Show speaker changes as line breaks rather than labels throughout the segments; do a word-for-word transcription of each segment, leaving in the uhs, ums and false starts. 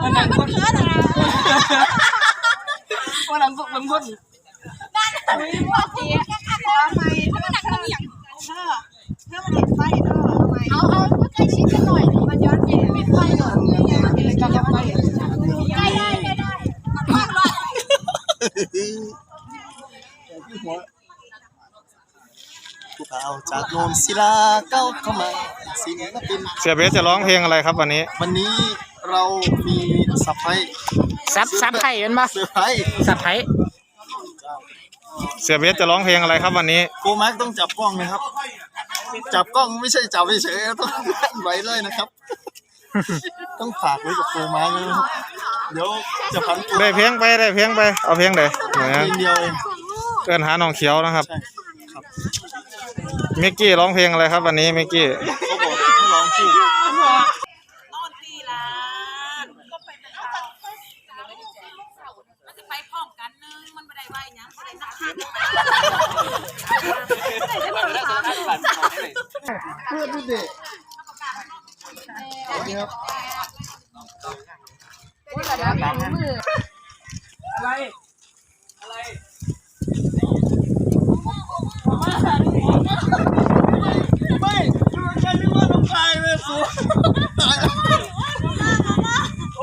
มันนั่งคนเนะมันนั่งคนมันคนนั่นอุ้ยว่าจีขอไมถ้ามันนั่งคนอย่างเธอเธอมันเห็นไฟเธอทำไมเอาเอาใกล้ชิดกันหน่อยมันย้อนแย้งปิดไฟก่อนกินเลยกันไฟใกล้ได้ใกล้ได้มากเลย
ภูเขาจากโนนศิลาเก้าเข้ามาศิลปิน
เสียเบสจะร้องเพลงอะไรครับวันนี้
วันนี้เรามีซับไพรส์
ซับซับไผ่เป็นปะ
เซอร์ไพรส์
ซับไผ่
เสียเบสจะร้องเพลงอะไรครับวันนี้
โกมาร์กต้องจับกล้องนะครับจับกล้องไม่ใช่จับเฉยๆต้องไว้เลยนะครับต้องฝากไว้กับโกมาร์กนะครับเดี๋ยวจะพันตัว
ได้เพลงไปได้เพลงไปเอาเพลงไหนเพลง
เดียวเอง
เกินหาน้องเขียวนะครับมิกกี้ร้องเพลงอะไรครับวันนี้มิกกี้
เขาบอกให้ร้องคู่
นอนตีลามันจะไปพร้อมกันนึงมันไม่ได้ไหวยังไม่ได้นักข่าว
เพื่อนดูดินี่ครับ
อะไรอะไร
ไม่ใช่นึกว่าน้องชายเลยสูโอ้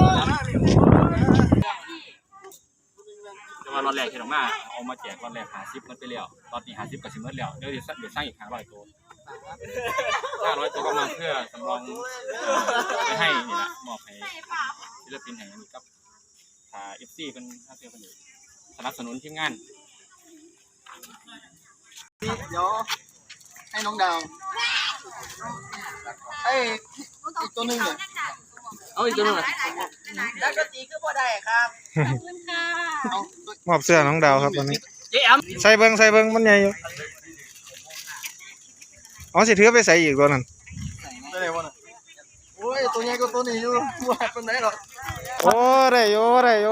จะมารอนแรกที่เรามาเอามาแจกรอนแรกหาซิปมันไปแล้วตอนนี้หาซิปกับซิมเมอร์แล้วเดี๋ยวเดี๋ยวเดี๋ยวสร้างอีกห้าร้อยตัวห้าร้อยตัวก็มาเพื่อสำรองไปให้นี่แหละมอบให้ศิลปินแห่งนี้กับทาเอฟซีเป็นท่าเรือเป็นสนับสนุนทีมงาน
เดี๋ยวให้น้องดาวไอ้อีกตัวนึงเนี่ย
เอาอีกตัวนึง
แล้วก็ตีก็พอได้ครับขอบคุณค่ะ
มอบเสื้อน้องดาวครับวันนี้
เจ๊แอม
ใส่เบิ้งใส่เบิ้งมันใหญ่อยู่อ๋อสิถือไปใส่อีกตัวนั้น
ได้เลยวันน่ะโอ้ยตัวใหญ่ก็ตัวนี้อยู่ว่าเป็นไหนหรอ
โอ้ได้โยได้โย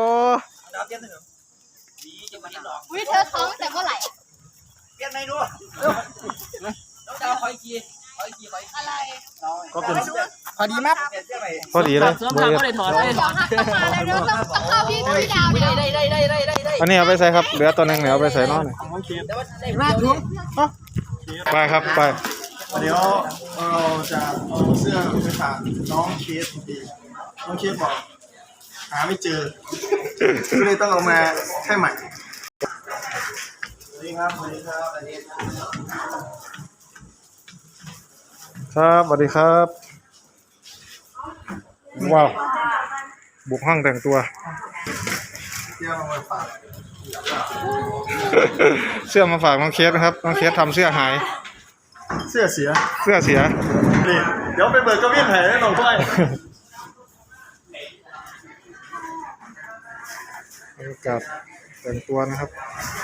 วิเธอท้องแต่เมื่อไหร่
เปลี่ยนไหนดูน้องดาวคอยกี่คอยกี่คอย
อะไร
ก็เป็น
พอดีมั้ย
พอดีเลย
เสื้อผ้าก็ได้ถอดเลยเดี๋ยวหักต้องมาเลยเดี๋ยวต้องต้องเข้าพี่พี่ดาวเดี๋ยวได้ได้ได้ได้ได้
อันนี้เอาไปใส่ครับเหลือตัวนึงเดี๋ยวเอาไปใส่นอน
มาถุง
ไปครับไป
เดี๋ยวเราจะเอาเสื้อไปฝากน้องเคสดีน้องเคสบอกหาไม่เจอก็เลยต้องเอามาแค่ใหม่สวัสดีครับสวัสดีครับสวัสดี
ครับสวัสดีครับว้าวบุกห้องแต่งตัว
เสื้อมาฝาก
เสื้อมาฝากน้องเคสนะครับน้องเคสทำเสื้อหาย
เสื้อเสีย
เสื้อเสีย
นี่เดี๋ยวไปเบิกกระเบี้ยนแผลให้น้องด้วย
บรรยากาศแต่งตัวนะครับ